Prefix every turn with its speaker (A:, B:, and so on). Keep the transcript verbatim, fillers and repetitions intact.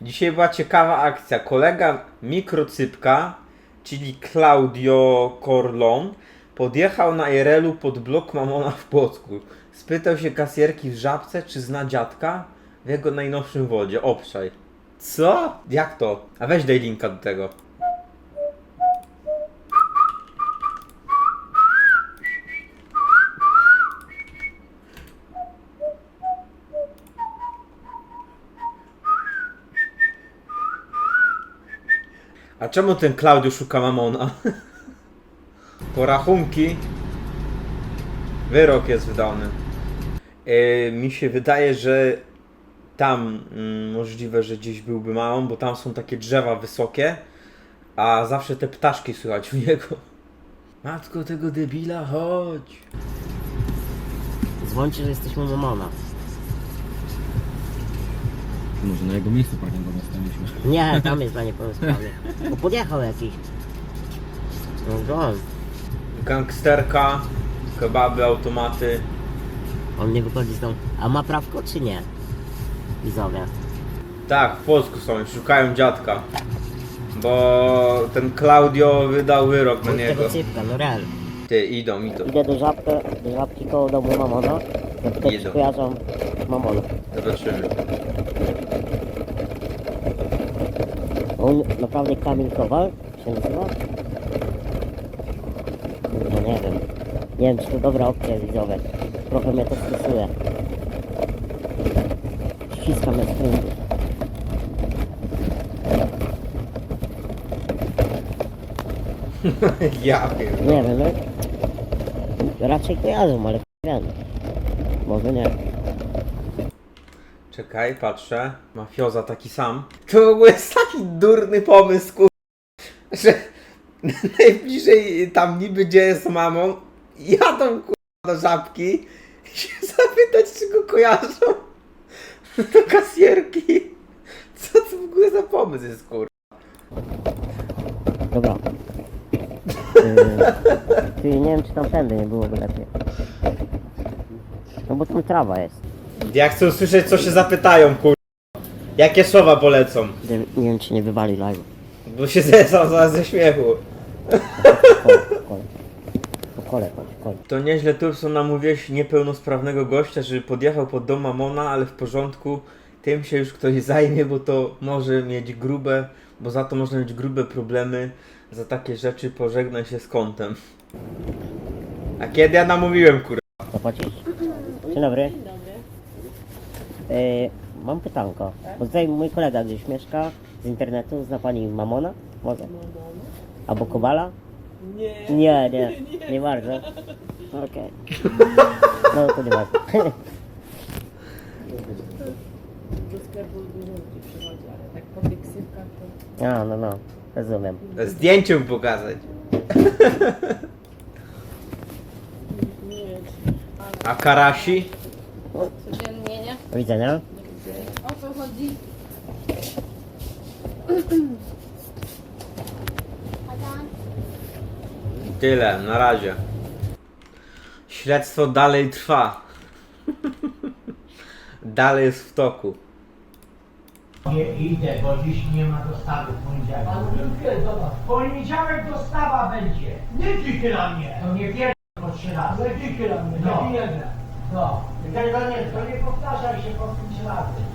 A: Dzisiaj była ciekawa akcja. Kolega Mikrocypka, czyli Claudio Corlon, podjechał na I R L u pod blok Mamona w Płocku. Spytał się kasjerki w Żabce, czy zna dziadka w jego najnowszym wodzie. Obszaj. Co? Jak to? A weź daj linka do tego. A czemu ten Klaudiusz szuka Mamona? Porachunki. Wyrok jest wydany. Yy, mi się wydaje, że tam yy, możliwe, że gdzieś byłby Mamon, bo tam są takie drzewa wysokie, a zawsze te ptaszki słychać u niego. Matko tego debila, chodź.
B: Dzwońcie, że jesteśmy Mamona.
C: Może na jego miejscu parkingowym staliśmy.
B: Nie, tam jest dla niepełnosprawnych. Bo podjechał jakiś. No go.
A: Gangsterka, kebaby, automaty.
B: On nie wychodzi z domu. A ma prawko czy nie? Widzowie.
A: Tak, w Polsku są, szukają dziadka. Bo ten Claudio wydał wyrok na niego.
B: Tego cypka, no real.
A: Ty, idą, idą.
B: Idę do żabki, do żabki koło domu Mamona. Zapytać,
A: Idą.
B: czy kojarzą Mamona.
A: Zobaczymy.
B: On naprawdę Kamil Kowal się nazywa? Kurde, nie wiem. Nie wiem, czy to dobra opcja widzowie. Trochę mnie to stresuje. Ściskam na screen.
A: Ja wiem.
B: Nie wiem, no. Raczej kojarzą, ale wiem. Może nie.
A: Czekaj, patrzę. Mafioza taki sam. To w ogóle jest taki durny pomysł, kur... że najbliżej tam niby gdzie jest mamą, jadą kur... do Żabki i się zapytać, czy go kojarzą. Do kasjerki. Co to w ogóle za pomysł jest, kur...
B: Dobra. Yy, Czyli nie wiem, czy tam tędy nie byłoby lepiej. No bo tam trawa jest.
A: Ja chcę usłyszeć, co się zapytają, kur... Jakie słowa polecą.
B: Nie, nie wiem, czy nie wywali live.
A: Bo się zesał zaraz ze śmiechu.
B: Po kole, po kole. Po kole, chodź, po kole.
A: To nieźle Turson namówiłeś niepełnosprawnego gościa, żeby podjechał pod dom Mamona, ale w porządku, tym się już ktoś zajmie, bo to może mieć grube, bo za to można mieć grube problemy, za takie rzeczy pożegnaj się z kątem. A kiedy ja namówiłem, kurwa?
B: Zapłacisz? Dzień dobry. Dzień dobry. Yy, mam pytanko. Bo tutaj mój kolega gdzieś mieszka z internetu. Zna pani Mamona? Może? Albo Kowala?
D: Nie.
B: Nie, nie. Nie bardzo. Okej. No to nie bardzo.
D: Do sklepu dużo ludzi przychodzi, ale tak po tych ksywkach to...
B: A, no, no. Rozumiem.
A: Zdjęcie mu pokazać.
D: Nie wiem,
A: A Karasi?
D: codziennie, nie?
B: Do widzenia.
D: O co chodzi?
A: Tyle, na razie. Śledztwo dalej trwa. Dalej jest w toku.
E: Nie idę, bo dziś nie ma dostawy w poniedziałek. W poniedziałek dostawa będzie. Nie dzikie na mnie. To nie pierdol po trzy razy. Nie dzikie na mnie, no. Nie jeden. No. Tego nie, to nie powtarzaj się po pięć razy.